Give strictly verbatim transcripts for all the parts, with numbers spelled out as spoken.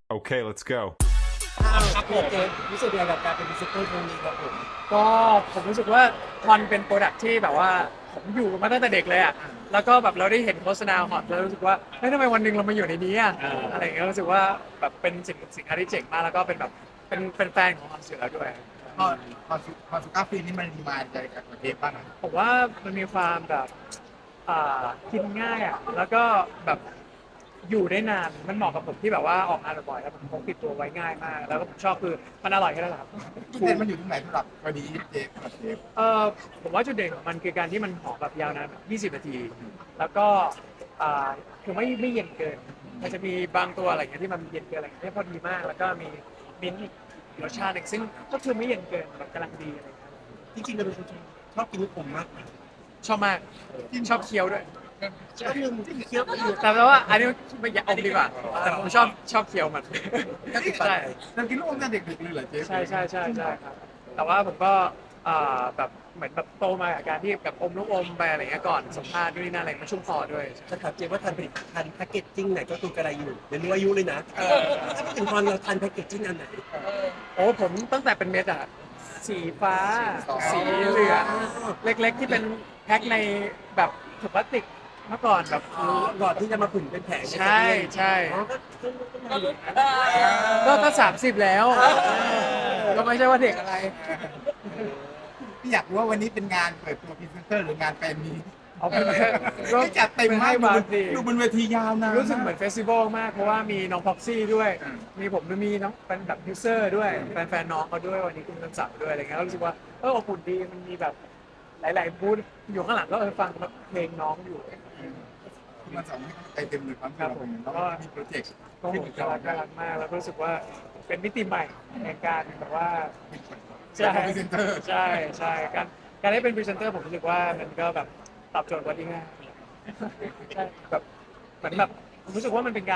Okay, let's go. อ้าวครับผมเจรู้สึกยังไงกับการเป็นพรีเซนเตอร์ครั้งนี้ครับผมก็ผมรู้สึกว่ามันเป็นโปรดักที่แบบว่าผมอยู่มาตั้งแต่เด็กเลยอ่ะแล้วก็แบบเราได้เห็นโฆษณาฮอตแล้วรู้สึกว่าเฮ้ยทำไมวันหนึ่งเรามาอยู่ในนี้อ่ะอะไรอย่างเงี้ยรู้สึกว่าแบบเป็นสิ่งสิ่งที่เจ๋งมากแล้วก็เป็นแบบเป็นเป็นแฟนของฮอตอยู่แล้วด้วยพอพอสุพอสุก้าฟินนี่มันดีมาใจกับเทปบ้างนะผมว่ามันมีความแบบอ่ากินง่ายอ่ะแล้วก็แบบอยู่ได้นานมันเหมาะกับผมที่แบบว่าออกงานบ่อยๆแล้วผมพกติดตัวไว้ง่ายมากแล้วก็ผมชอบคือมันอร่อยแค่นั้นแหละครับจุดเด่นมันอยู่ตรงไหนสำหรับพอดีเทปสำหรับเทปเออผมว่าจุดเด่นของมันคือการที่มันหอมแบบยาวนานแบบยี่สิบนาที แล้วก็อ่าคือไม่ไม่เย็นเกิน มันจะมีบางตัวอะไรอย่างเงี้ยที่มันเย็นเกินอะไรอย่างเงี้ยที่พอดีมาก แล้วก็มีมิ้นท์อีกรสชาติหนึ่งซึ่งก็คือไม่เย็นเกินแบบกำลังดีอะไรอย่างเงี้ยจริงๆเราเป็นคนชอบกินลูกอมมากชอบมากชอบเคี้ยวด้วยก็ลืมเคี้ยวไปอยู่แต่แปลว่าอันนี้ไม่อยากอมดีกว่า แต่ผมชอบชอบเคี้ยวมันก็ติดปากใช่เรากินลูกอมตั้งแต่เด็กๆเลยเหรอเทปใช่ใช่ใช่ใช่ครับแต่ว่าผมก็อ่าแบบเหมือนแบบโตมากับการที่แบบอมลูกอมไปอะไรเงี้ยก่อนสัมภาษณ์ด้วยนี่นั่นอะไรมันชุ่มคอด้วยจะถามเจว่าทันผลิตทันแพคเกจจิ้งไหนก็คือกระไรอยู่เดี๋ยวรู้อายุเลยนะถ้าพูดถึงตอนเราทันแพคเกจจิ้งอันไหนโอ้ผมตั้งแต่เป็นเม็ดอะสีฟ้า สีเหลืองเล็กๆที่เป็นแพ็คในแบบถุงพลาสติกเมื่อก่อนแบบก่อนที่จะมาผุ่นเป็นแผงใช่ใช่อ๋อก็ก็ก็ก็ก็สามสิบแล้วก็ไม่ใช่ว่าเด็กอะไรพี่อยากรู้ว่าวันนี้เป็นงานเปิดตัวพรีเซนเตอร์หรืองานแฟนมีตเอาเป็นก็ไม่จัดเต็มมากให้มาสิดูบนเวทียาวนานรู้สึกเหมือนเฟสติวัลมากเพราะว่ามีน้องพ็อกซี่ด้วยอืมมีผมด้วยมีน้องเป็นแบบยูเซอร์ด้วยแฟนๆน้องเขาด้วยวันนี้คุณกำศักดิ์ด้วยอะไรเงี้ยแล้วรู้สึกว่าเอออบอุ่นดีมันมีแบบหลายๆบูธอยู่ข้างหลังก็เออฟังเพลงน้องอยู่คือมันสองให้ใจเต็มเลยความครับเราผมเป็นแล้วก็มีโปรเจกต์ก็โหน่ารักน่ารักมากแล้วก็รู้สึกว่าเป็นมิติใหม่ในการแบบว่าใช่พรีเซนเตอร์ใช่ใช่การการได้เป็นพรีเซนเตอร์ผมรู้สึกว่ามันก็แบบตอบโจทย์วันที่ง่ายใช่แบบเหมือนแบบผมรู้สึกว่ามันเป็นการ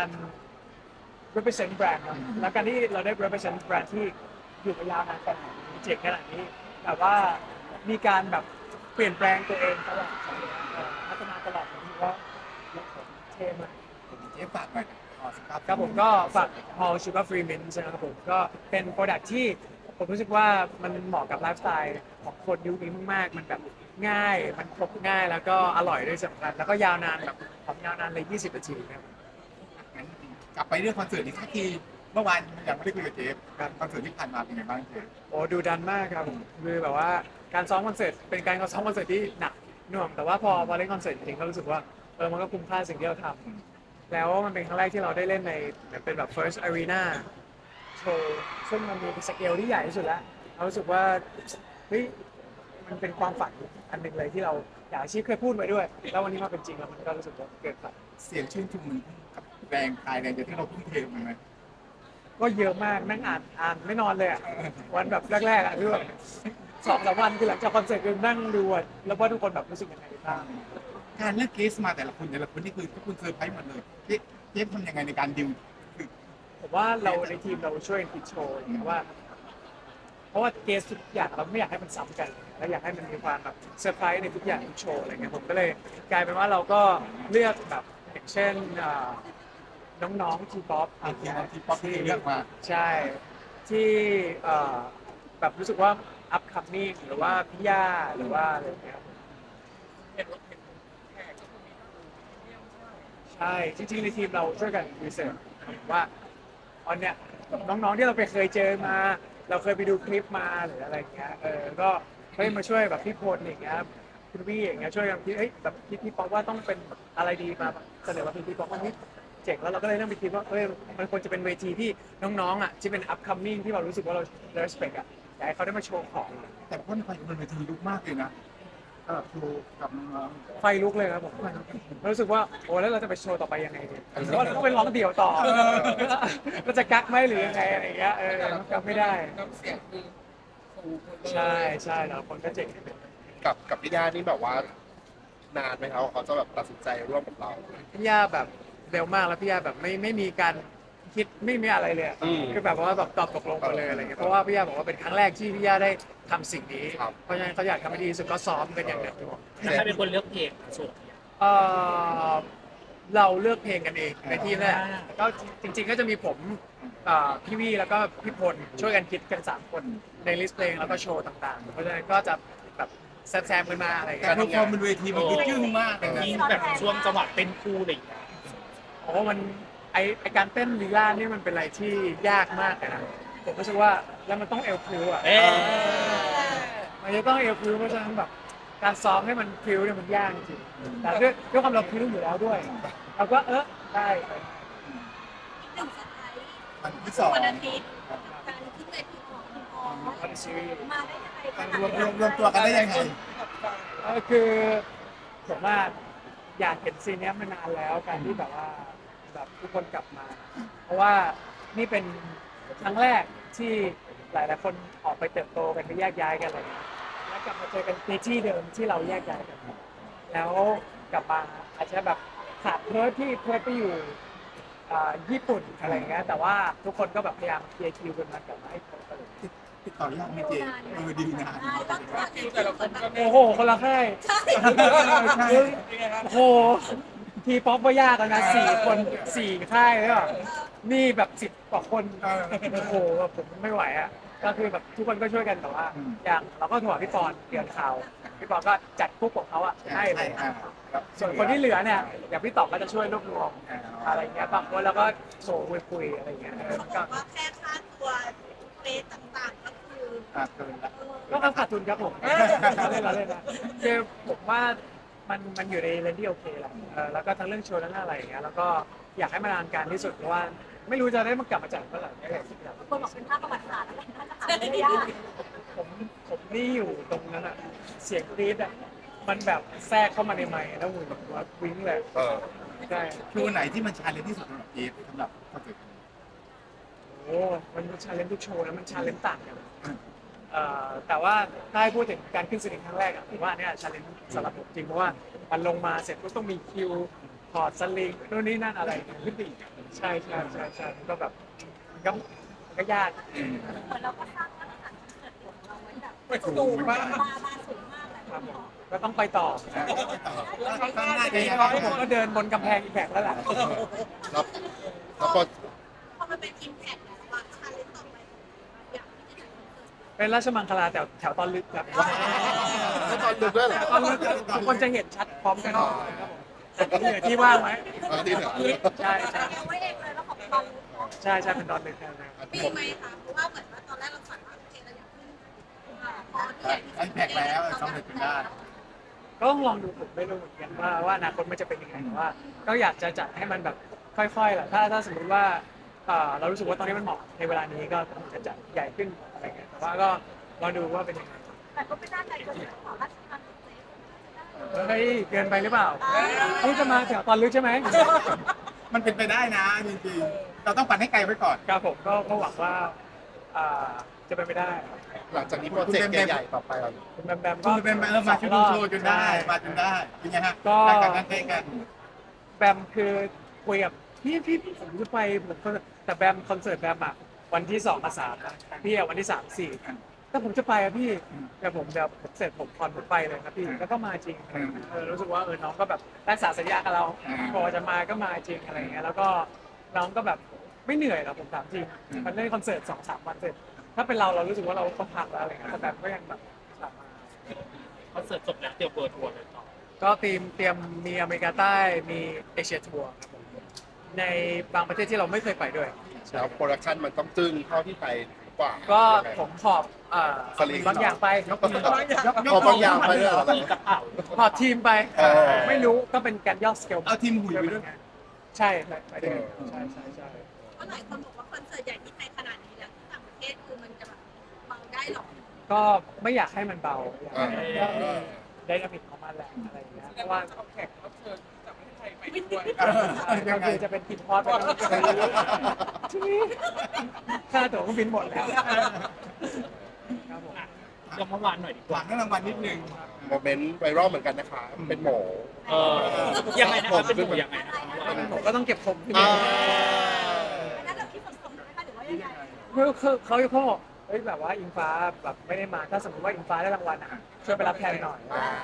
represent แบรนด์เนอะแล้วการที่เราได้ represent แบรนด์ที่อยู่มายาวนานขนาดนี้เจ๋งขนาดนี้แบบว่ามีการแบบเปลี่ยนแปลงตัวเองตลอดเอ่อพัฒนาตลอดผมรู้สึกว่าเท่มากเทปฝากหน่อยขอสครับครับผมก็ฝาก Hall Sugar Free Mint นะครับผมก็เป็นโปรดักที่ผมรู้สึกว่ามันเหมาะกับไลฟ์สไตล์ของคนยุคนี้มากๆ มันแบบง่าย มันครบง่ายแล้วก็อร่อยด้วยสำคัญแล้วก็ยาวนานแบบของยาวนานเลยยี่สิบนาทีนะครับงั้นกลับไปเรื่องคอนเสิร์ตอีกสักทีเมื่อวานยังไม่ได้คุยกับเจฟคอนเสิร์ตที่ผ่านมาเป็นไงบ้างเจฟโอ้ดูดันมากครับผมคือแบบว่าการซ้อมคอนเสิร์ตเป็นการซ้อมคอนเสิร์ตที่หนักหน่วงแต่ว่าพอพอเล่นคอนเสิร์ตจริงๆก็รู้สึกว่าเออมันก็คุ้มค่าสิ่งที่เราทำแล้วมันเป็นครั้งแรกที่เราได้เล่นในเหมือนเป็นแบบ first arena โชว์ซึ่งมันมีสเกลที่ใหญ่ที่สุดแล้วเรารู้สึกว่าเฮ้ยมันเป็นความฝันอันหนึ่งเลยที่เราอยากอาชีพเคยพูดไว้ด้วย แล้ววันนี้มาเป็นจริงแล้วมันก็รู้สึกว่าเกิดฝันเสียงชื่นชมมันกับแรงกายแรงใจที่เราทุ่มเทมันไหมก็เยอะมากนั่งอ่านอ่านไม่นอนเลยอะวันแบบแรกๆอ่ะคือแบบสองสามวันคือหลังจากคอนเสิร์ตคือนั่งดูอะแล้วว่าทุกคนแบบรู้สึกยังไงบ้างการเลือกเกสมาแต่ละคนแต่ละคนนี่คือทุกคนเซอร์ไพรส์หมดเลยเจฟเจฟทำยังไงในการดิวคือผมว่าเราในทีมเราช่วยกันคิดโชว์อย่างเงี้ยว่า เพราะว่าเกสทุกอย่างเราไม่อยากให้มันซ้ำกันเราอยากให้มันมีความแบบเซอร์ไพรส์ในทุกอย่างทุกโชว์อะไรเงี้ยผมก็เลยกลายเป็นว่าเราก็เลือกแบบอย่างเช่นอ่าน้องๆทีป๊อปไอทีมทีป๊อปที่เลือกมาใช่ที่เอ่อแบบรู้สึกว่า upcoming หรือว่าพี่ย่าหรือว่าอะไรอย่างเงี้ยใช่จริงๆในทีมเราช่วยกันรีเสิร์ชว่าตอนเนี้ยน้องๆที่เราไปเคยเจอมา เราเคยไปดูคลิปมาหรืออะไรอย่างเงี้ยเออก็เฮ้ยมาช่วยแบบพี่พลอย่างเงี้ยคุณวี่อย่างเงี้ยช่วยกันคิดเฮ้ยแบบคิดพี่ป๊อกว่าต้องเป็นอะไรดีมาเสนอมาเป็นพี่ป๊อกว่าเฮ้ยเจ๋งแล้วเราก็เลยนั่งไปคิดว่าเฮ้ยมันควรจะเป็นเวทีที่น้องๆอ่ะที่เป็น upcoming ที่เรารู้สึกว่าเรา respect อ่ะอยากให้เขาได้มาโชว์ของแต่พ่นไฟบนเวทีลุกมากเลยนะสำหรับโชว์กับน้องไฟลุกเลยครับผมรู้สึกว่าโอ้แล้วเราจะไปโชว์ต่อไปยังไงดีหรือว่าเราต้องไปร้องเดี่ยวต่อเราจะกักไหมหรือยังไงอะไรอย่างเงี้ยเออกักไม่ได้น้ำเสียงคือสูงหมดเลยใช่ใช่แล้วคนก็เจ๋งกับกับพี่ย่านี่แบบว่านานไหมครับว่าเขาจะแบบตัดสินใจร่วมกับเราพี่ย่าแบบเร็วมากแล้วพี่ย่าแบบไม่ไม่มีการคิดไม่มีอะไรเลยอะอืมคือแบบว่าแบบตอบตกลงไปเลยอะไรเงี้ยเพราะว่าพี่ย่าบอกว่าเป็นครั้งแรกที่พี่ย่าได้ทำสิ่งนี้ครับเพราะฉะนั้นเขาอยากทำให้ดีที่สุดก็ซ้อมกันอย่างหนักหน่วงแล้วใครเป็นคนเลือกเพลงส่วนเอ่อเราเลือกเพลงกันเองในที่แรกก็จริง ๆ ก็จะมีผมเอ่อพี่วี่แล้วก็พี่พลช่วยกันคิดกันสามคนในลิสต์เพลงแล้วก็โชว์ต่างๆ เพราะฉะนั้นก็จะแบบแซมๆกันมาอะไรอย่างการเงี้ยเพอร์ฟอร์มบนเวทีมันยึดยึงมากเลยนะยิ่งแบบช่วงจังหวะเป็นคู่อะไรอย่างเงี้ยโอ้มันไอไอการเต้นลีลานี่มันเป็นอะไรที่ยากมากเลยนะผมรู้สึกว่าแล้วมันต้องเอลพริวอ่ะเอ๊ะมันจะต้องเอลพริวเพราะฉะนั้นแบบการซ้อมให้มันพริวเนี่ยมันยากจริงแต่ด้วยด้วยความเราพริวอยู่แล้วด้วยเราก็เออได้หนึ่งสไตล์วันที่สองวันอาทิตย์การขึ้นเวทีของคุณพ่อคอนซีรีส์มาได้ยังไงคะรวมรวมรวมตัวกันได้ยังไงก็คือผมว่าอยากเห็นซีนเนี้ยมานานแล้วการที่แบบว่าแบบทุกคนกลับมา เพราะว่านี่เป็นครั้งแรกที่หลายๆคนออกไปเติบโตกันไปแยกย้ายกันอะไรอย่างเงี้ยแล้วกลับมาเจอกันในที่เดิมที่เราแยกย้ายกัน แล้วกลับมาอาจจะแบบขาดเพิร์ทที่เพิร์ทไปอยู่อ่าญี่ปุ่นอะไรอย่างเงี้ยแต่ว่าทุกคนก็แบบพยายามเคลียร์คิวกันมากลับมาให้เพิร์ทกันเลยติดต่อยากไหมเจเออดีนานได้ตั้งแต่ที่แต่ละคนก็โอ้โหคนละค่ายใช่โอ้โหทีป๊อปก็ยากแล้วนะสี่คนสี่ค่ายเลยอ่ะนี่แบบสิบกว่าคนโอ้โหแบบผมไม่ไหวอ่ะก็คือแบบทุกคนก็ช่วยกันแต่ว่า อย่างเราก็โทรหาพี่ปอนเตือนข่าวพี่ปอนก็จัดกรุ๊ปของเขาอ่ะให้เลย ส่วนคนที่เหลือเนี่ยอย่างพี่ตอบก็จะช่วยรวบรวมอะไรเงี้ยบางคนเราก็โส่คุยคุยอะไรเงี้ยเออเขาบก็อกว่าแค่ค่าตัวเฟสต่างๆก็คืออ่ะเกินละก็ขาดทุนครับผมเราเล่นเราเล่นนะคือผมว่ามันมันอยู่ในเรนที่โอเคแหละเออแล้วก็ทั้งเรื่องโชว์ทั้งอะไรอย่างเงี้ยแล้วก็อยากให้มันนานการที่สุดเพราะว่าไม่รู้จะได้มากลับมาจัดเมื่อไหร่ไม่ได้คิดแบบคนบอกเป็นภาพประวัติศาสตร์แล้วน่าจะหาไม่ยากผมผมนี่อยู่ตรงนั้นอ่ะเสียงกรี๊ดอ่ะมันแบบแทรกเข้ามาในไมค์แล้วมือแบบว่าวิ่งเลยเออใช่โชว์ไหนที่มันชาเลนจ์ที่สุดสำหรับเจสำหรับคอนเสิร์ตนี้โอ้มันชาเลนจ์ทุกโชว์นะมันชาเลนจ์ต่างกันเอ่อแต่ว่าถ้าให้พูดถึงการขึ้นสลิงครั้งแรกอะผมว่าเนี่ยชาเลนจ์สำหรับผมจริงเพราะว่ามันลงมาเสร็จก็ต้องมีคิวถอดสลิงนู่นนี่นั่นอะไรอย่างเงี้ยขึ้นไปอีกใช่ใช่ใช่ใช่มันก็แบบมันก็มันก็ยากเหมือนเราก็สร้างมาตรฐานคอนเสิร์ตของเราไว้แบบสูงมากบาบาสูงมากเลยครับผมก็ต้องไปต่อข้างหน้าจะยังเพไงราะผมก็เดินบนกำแพงอีกแบบแล้วล่ะแล้วแล้วพอพอมันเป็นอิมแพคแล้วอะชาเลนจ์ต่อไปอยากที่จะจัดคอนเสิร์ตเป็นราชมังคลาแถวแถวตอนลึกครับแล้วตอนดึกด้วยเหรอตอนลึกทุกคนจะเห็นชัดพร้อมกันครับผมแต่ที่เหลือที่ว่างไหมตอนที่เหลือใช่ใช่เอาไว้เองเลยแล้วของตอนรู้เนาะใช่ใช่เป็นตอนลึกครับมีไหมคะเพราะว่าเหมือนว่าตอนแรกเราฝันว่าโอเคเราอยากขึ้นอ่าพอที่อยากไอ้แพ็กแล้วสำเร็จจนได้ก็ต้องลองดูผมไม่รู้เหมือนกันว่าว่าอนาคตมันจะเป็นยังไงแต่ว่า ก็อยากจะจัดให้มันแบบค่อยๆแหละถ้าถ้าสมมติว่าเอ่อเรารู้สึกว่าตอนนี้มันเหมาะในเวลานี้ก็คงจะจัดใหญ่ขึ้นอะไรเงี้ยแต่ว่าก็รอดูว่าเป็นยังไงแต่ก็ไม่น่าใจก็จะขอราชการเซ็ตเฮ้ยเกินไปหรือเปล่านี่จะมาแถวตอนลึกใช่ไหมมันเป็นไปได้นะจริงๆ เราต้องปั่นให้ไกลไว้ก่อนครับผมก็ก็หวังว่าอ่าจะเป็นไปได้หลังจากนี้โปรเจกต์ใหญ่ๆต่อไปเราคุณแบมแบมก็ก็เป็นเออมาชูดูโชว์จนได้ มาจนได้ เป็นไงฮะรายการนั้นเต้กันแบมคือคุยกับพี่พี่ผมจะไปผมก็แต่แบมคอนเสิร์ตแบมอ่ะวันที่สองกับสามนะพี่อ่ะวันที่สามสี่ถ้าผมจะไปอ่ะพี่แต่ผมแบบผมเสร็จผมคอนผมไปเลยครับพี่แล้วก็มาจริงเออรู้สึกว่าเออน้องก็แบบรักษาสัญญากับเราพอจะมาก็มาจริงอะไรเงี้ยแล้วก็น้องก็แบบไม่เหนื่อยหรอกผมถามจริงมันเล่นคอนเสิร์ตสองสามวันเสร็จถ้าเป็นเราเรารู้สึกว่าเราต้องพักแล้วอะไรเงี้ยแต่แบมก็ยังแบบกลับมาคอนเสิร์ตจบแล้วเตรียมเปิดทัวร์เลยต่อก็เตรียมเตรียมมีอเมริกาใต้มีเอเชียทัวร์ครับผมในบางประเทศที่เราไม่เคยไปด้วยแล้วโปรดักชันมันต้องจึ้งเท่าที่ไปกว่าก็ผมขอบเอ่อสลิงบางอย่างไปยกขอบางอย่างไปเลยเหรอขอบทีมไปเออไม่รู้ก็เป็นการย่อสเกลเอาทีมหุยไปด้วยใช่ไปไปด้วยใช่ใช่ใช่เพราะหลายคนบอกว่าคอนเสิร์ตใหญ่ที่ไทยขนาดนี้แล้วที่ต่างประเทศคือมันจะแบบเบาได้หรอก็ไม่อยากให้มันเบาอยากอ่าให้มันมีไดนามิกของมันแหละอะไรอย่างเงี้ยเพราะว่า ก็คือจะเป็นกินพอดไปค่าตั๋วเครื่องบินหมดแล้วครับผมเดี๋ยวเมื่อวานหน่อยดีกหว่าวังให้รางวัลนิดนึงโมเมนต์ไวรัลเหมือนกันนะคะ เป็นหมอเออยังไงนะครับเป็นหมูยังไงนะครับเมื่อวานผมก็ต้องเก็บผมขึ้นอ่าอันนั้นเราคิดสดๆไหมคะหรือว่ายังไงคือคือเขาเขาบอกเฮ้ยแบบว่าอิงฟ้าแบบไม่ได้มาถ้าสมมติว่าอิงฟ้าได้รางวัลอ่ะช่วยไปรับแทนหน่อยอ่าผ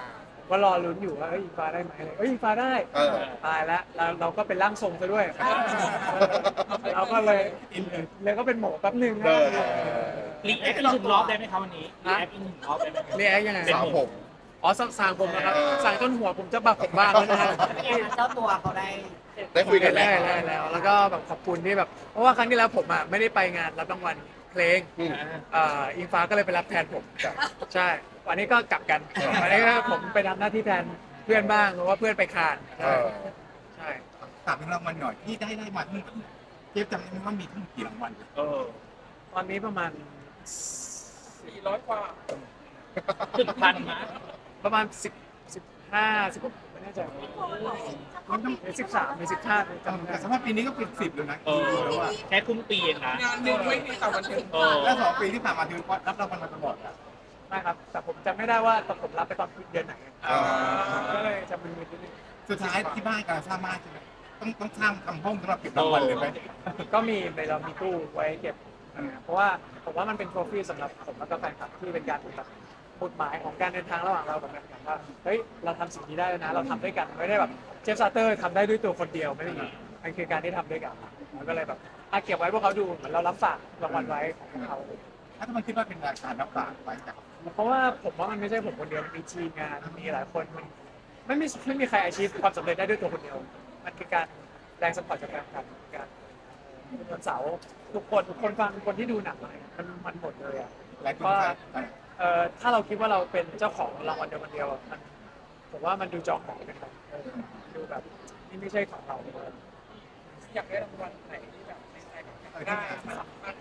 ก็รอลุ้นอยู่ว่าเอ้ยอิงฟ้าได้ไหมอะไรเอ้ยอิงฟ้าได้เออตายแล้วเราเราก็เป็นร่างทรงซะด้วยเราก็เลยเลยก็เป็นหมอแป๊บหนึงนะเออรีแอคอีกหนึ่งรอบได้ไหมครับวันนี้รีแอคอีกหนึ่งรอบได้ไหมครับเรียกยังไงเป็นสาวผมอ๋อสั่งสั่งผมนะครับเออสั่งจนหัวผมจะบักผมบ้างแล้วนะฮะเจ้าตัวเขาได้ได้คุยกันได้แล้วได้แล้ว แล้วก็แบบขอบคุณที่แบบ เพราะว่าครั้งที่แล้วผมอ่ะไม่ได้ไปงานรับรางวัลเพลงอืมเอ่ออิงฟ้าก็เลยไปรับแทนผม ใช่ วันนี้ก็กลับกัน วันนี้ก็ผมไปทำหน้าที่แทนเพื่อนบ้างเพราะว่าเพื่อนไปคานเอใช่อใช่ถามถึงรางวัลหน่อยที่ได้ได้มาทั้งหมดเจฟจำได้ไหมว่ามีทั้งหมดกี่รางวัลเออตอนนี้ประมาณสี่ร้อยกว่าถึงพันนะประมาณสิบสิบห้าสิบหกไม่แน่ใจมันต้องหรือสิบสามหรือสิบห้าจำไม่แต่ได้สำหรับปีนี้ก็เป็นสิบแล้วนะเออแล้วว่าแค่ครึ่งปีเองนะงานหนึ่งไม่มีต่อวันเดียวเออแล้วสองปีที่ผ่านมาถือว่ารับรางวัลมาตลอดอะไม่ครับ แต่ผมจำไม่ได้ว่าตอนผมรับไปตอนเดือนไหนอ่าก็เลยจะมึนๆนิดนึงสุดท้ายที่บ้านกำลังสร้างบ้านใช่ไหมต้องต้องสร้างทำห้องสำหรับเก็บรางวัลเลยไหมก็มีในเรามีตู้ไว้เก็บเออเพราะว่าผมว่ามันเป็นโทรฟี่สำหรับผมแล้วก็แฟนคลับที่เป็นการแบบหมุดหมายของการเดินทางระหว่างเรากับแฟนคลับว่าเฮ้ยเราทำสิ่งนี้ได้แล้วนะ เราทำด้วยกันไม่ได้แบบเจฟซาเตอร์ทำได้ด้วยตัวคนเดียวไม่ได้มันคือการที่ทำด้วยกันมันก็เลยแบบอ่ะเก็บไว้พวกเขาดูเหมือนเรารับฝากรางวัลไว้ของพวกเขาถ้าทำไมคิดว่าเป็นรายการรับฝากไว้จากเพราะว่าผมว่ามันไม่ใช่ผมคนเดียวมันมีทีมงานมีหลายคนมันไม่มีไม่มีใครอาชีพความสำเร็จได้ด้วยตัวคนเดียว มันคือการแรงสปอร์ตจากแฟนคลับการวันเสาร์ทุกคนทุกคนฟังคนที่ดูหนังอะไรมันมันหมดเลยอ่ะหลายคนว่าใส่เอ่อถ้าเราคิดว่าเราเป็นเจ้าของรางวัลเดียวคนเดียวอะมันผมว่ามันดูจองหองกันไปเออดูแบบนี่ไม่ใช่ของเราอยากได้รางวัลไหนที่แบบในใจแบบอยากได้สามารถ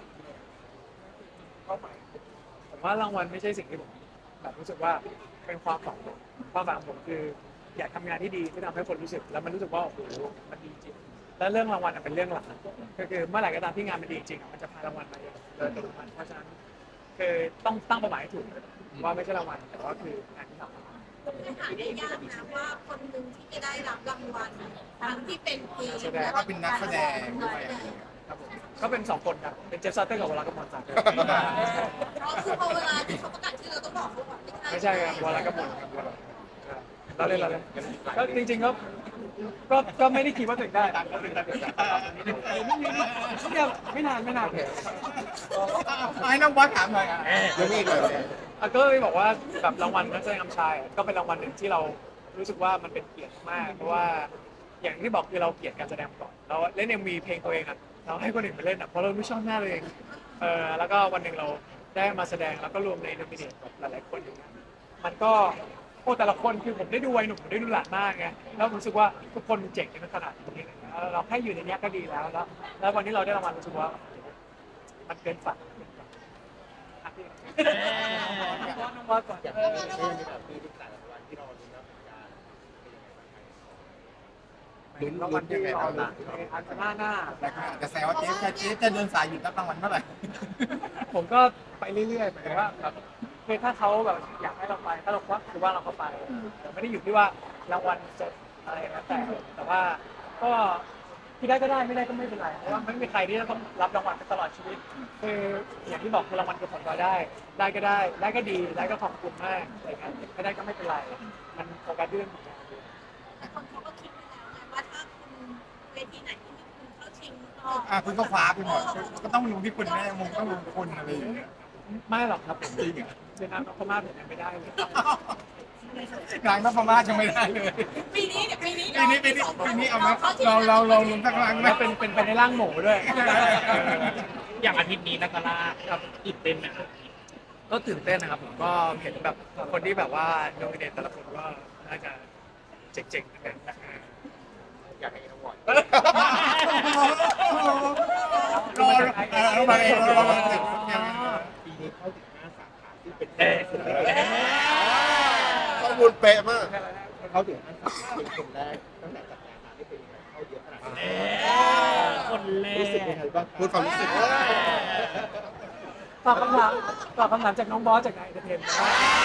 เข้าไปผมว่ารางวัลไม่ใช่สิ่งที่ผมแบบรู้สึกว่าเป็นความฝันผมความฝันของผมคืออยากทำงานที่ดีที่ทำให้คนรู้สึกแล้วมันรู้สึกว่าโอ้โหมันดีจริงแล้วเรื่องรางวัลอะเป็นเรื่องหลักก็คือเมื่อไหร่ก็ตามที่งานมันดีจริงอะมันจะพารางวัลมาเองโดยอัตโนมัติเพราะฉะนั้นคือต้องตั้งเป้าหมายให้ถูกว่าไม่ใช่รางวัลแต่ว่าคืองานที่ทำหาได้ยากนะว่าคนหนึ่งที่จะได้รับรางวัลทั้งที่เป็นเพลงแล้วก็เป็นนักแสดงด้วยอะไรอย่างเงี้ยครับผมก็เป็นสองคนครับ เป็นเจฟซัตเตอร์กับวรากมลสันอ๋อคือพอเวลาที่เขาประกาศชื่อเราต้องบอกเขาก่อนไม่ใช่ครับวรากมลครับเราเล่นเราเล่นก็จริงๆก็ก็ก็ไม่ได้คิดว่าตัวเองได้เนี่ยไม่นานไม่นานให้น้องบอสถามหน่อยอ่ะยังมีอีกเหรออ่ะก็เลยบอกว่าแบบรางวัลนักแสดงนำชายอ่ะก็เป็นรางวัลหนึ่งที่เรารู้สึกว่ามันเป็นเกียรติมาก เพราะว่าอย่างที่บอกคือเราเกลียดการแสดงก่อนเราเล่นเอ็มวีเพลงตัวเองอ่ะเราให้คนอื่นไปเล่นอ่ะเพราะเราไม่ชอบหน้าตัวเองเออแล้วก็วันหนึ่งเราได้มาแสดงแล้วก็รวมในโนมิเนตกับหลายๆคนอย่างเงี้ยมันก็โอ้แต่ละคนคือผมได้ดูวัยหนุ่มผมได้ดูหลานมากไงแล้วผมรู้สึกว่าทุกคนเจ๋งกันขนาดนี้อะไรเงี้ยแล้วเราแค่อยู่ในเนี้ยก็ดีแล้วแล้ว แล้ววันนี้เราได้รางวัลรู้สึกว่ามันเกินฝันอ่ะพี่น้องบอสก่อนอย่างนี้แบบมีทุกแต่ละวันที่เราลุ้นรับการรางวัลที่รอลุ้นในอันหน้าหน้าแต่ก็อาจจะแซวว่าเจฟจะเจฟจะเดินสายหยุดรับรางวัลเมื่อไหร่ผมก็ไปเรื่อยๆหมายถึงว่าแบบคือถ้าเขาแบบอยากให้เราไปถ้าเราควักคือว่าเราก็ไปแต่ไม่ได้อยู่ที่ว่ารางวัลจะอะไรนะแต่แต่ว่าก็ที่ได้ก็ได้ไม่ได้ก็ไม่เป็นไรเพราะว่าไม่มีใครที่จะต้องรับรางวัลไปตลอดชีวิตคืออย่างที่บอกคือรางวัลคือผลพลอยได้ ได้ก็ได้ได้ก็ดีได้ก็ขอบคุณมากอะไรเงี้ยไม่ได้ก็ไม่เป็นไรมันโฟกัสเรื่องของงานแต่คนเขาก็คิดไปแล้วไงว่าถ้าคุณเวทีไหนที่มีคุณเข้าชิงอ่ะคุณก็ฟ้าไปหมดก็ต้องลงที่คุณแน่มุมต้องลงคุณอะไรอย่างเงี้ยไม่หรอกครับผมจริงเหรอเจนน้ำนพมาศผมยังไม่ได้เลยนางนพมาศยังไม่ได้เลยปีนี้เดี๋ยวปีนี้ปีนี้ปีนี้ปีนี้เอาไหมเราเราเราลงสักครั้งไหมแล้วเป็นเป็นไปในร่างหมูด้วยอย่างอาทิตย์นี้นักล่าครับตื่นเต้นไหมครับก็ตื่นเต้นนะครับผมก็เห็นแบบคนที่แบบว่าโนมิเนตแต่ละคนก็น่าจะเจ๋งๆกันนะอยากให้น้องบอลรอเออเรามาเองเรามาเองปีนี้เข้าถึงห้าสาขาที่เป็นเออข้อมูลเป๊ะมากเข้าถึงห้าสาขาเป็นคนแรกตั้งแต่จัดงานมาที่เป็นยังไงเข้าเยอะขนาดเอนี้อคนแรรู้สึกยังไงบ้างพูดความรู้สึกตอบคำถามตอบคำถามจากน้องบอสจากนายเทนนะ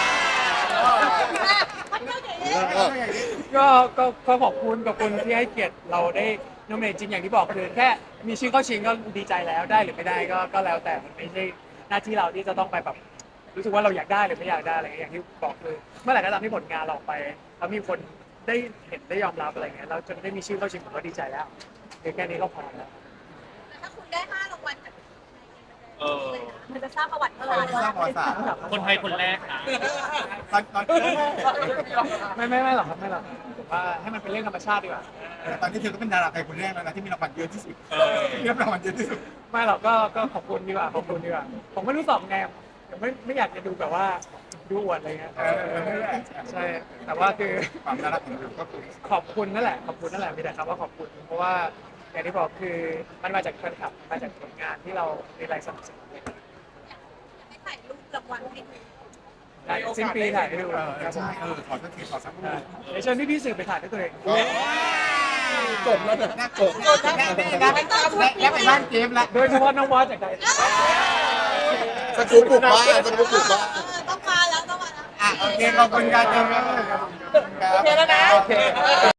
มันก็อย่างนี้เออก็ก็ก็ขอบคุณขอบคุณที่ให้เกียรติเราได้โนมิเนตจริงอย่างที่บอกคือแค่มีชื่อเข้าชิงก็ดีใจแล้วได้หรือไม่ได้ก็ก็แล้วแต่มันไม่ใช่หน้าที่เราที่จะต้องไปแบบรู้สึกว่าเราอยากได้หรือไม่อยากได้อะไรเงี้ยอย่างที่บอกคือเมื่อไหร่ก็ตามที่ผลงานเราออกไปแล้วมีคนได้เห็นได้ยอมรับอะไรเงี้ยเราจนได้มีชื่อเข้าชิงผมก็ดีใจแล้วคือแค่นี้ก็พอแล้วแต่ถ้าคุณได้ห้ารางวัลจากเออมันจะสร้างประวัติศาสตร์สร้างประวัติศาสตร์คนไทยคนแรกนะตอนตอนไม่ไม่ไม่หรอกครับไม่หรอกผมว่าให้มันเป็นเรื่องธรรมชาติดีกว่าตอนนี้เธอก็เป็นดาราไทยคนแรกแล้วนะที่มีรางวัลเยอะที่สุดเออที่รับรางวัลเยอะที่สุดไม่หรอกก็ก็ขอบคุณดีกว่าขอบคุณดีกว่าผมไม่รู้สอบไงผมไม่ไม่อยากจะดูแบบว่าดูอวดอะไรเงี้ยเออใช่แต่ว่าคือความน่ารักของเธอก็คือขอบคุณนั่นแหละขอบคุณนั่นแหละมีแต่คำว่าขอบคุณเพราะว่าอย่างที่บอกคือมันมาจากแฟนคลับมาจากผลงานที่เราในรายสนับสนุนให้ถ่ายรูปรางวัลให้ดูได้สิ้นปีถ่ายให้ดูเออครับใช่เออขอสักทีขอสักรูปเดี๋ยวเชิญพี่ๆสื่อไปถ่ายด้วยตัวเองจบแล้วเถอะน่าจบแล้วแล้วแล้วไปบ้านเจมส์ละโดยเฉพาะน้องวอสจากใดสกูปปลุกบ้านสกูปปลุกบ้านเออต้องมาแล้วต้องมาแล้วอ่ะโอเคขอบคุณการเจมส์ครับโอเคแล้วนะโอเคเออ